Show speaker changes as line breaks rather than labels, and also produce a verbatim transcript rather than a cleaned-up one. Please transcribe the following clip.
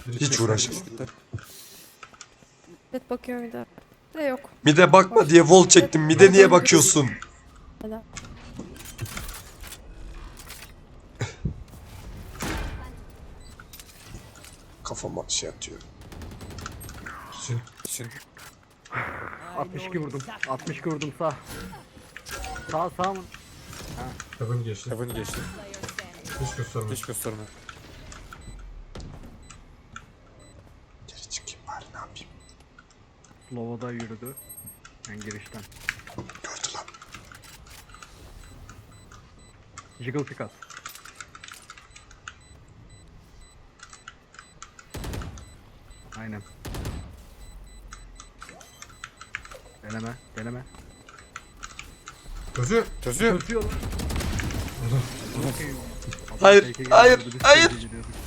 Hiç uğraşma.
Evet bakıyor bir de. De yok.
Mide bakma diye wall çektim. Mide niye bakıyorsun?
Neden?
Kafama şey atıyor.
Sin. Sin.
altmış iki vurdum. altmış iki vurdum sağ. Sağ sağ mı?
Heaven geçti.
Heaven geçti.
Hiç gösterme.
Hiç gösterme.
Geri çıkayım bari ne yapayım.
Slow'a da yürüdü. Ben girişten.
Gördü lan.
Jiggle pick at. Aynen. Deneme, deneme.
Gözü.
Çözüyor.
Çözüyorlar.
Hayır, hayır, hayır.
Gidiyorduk.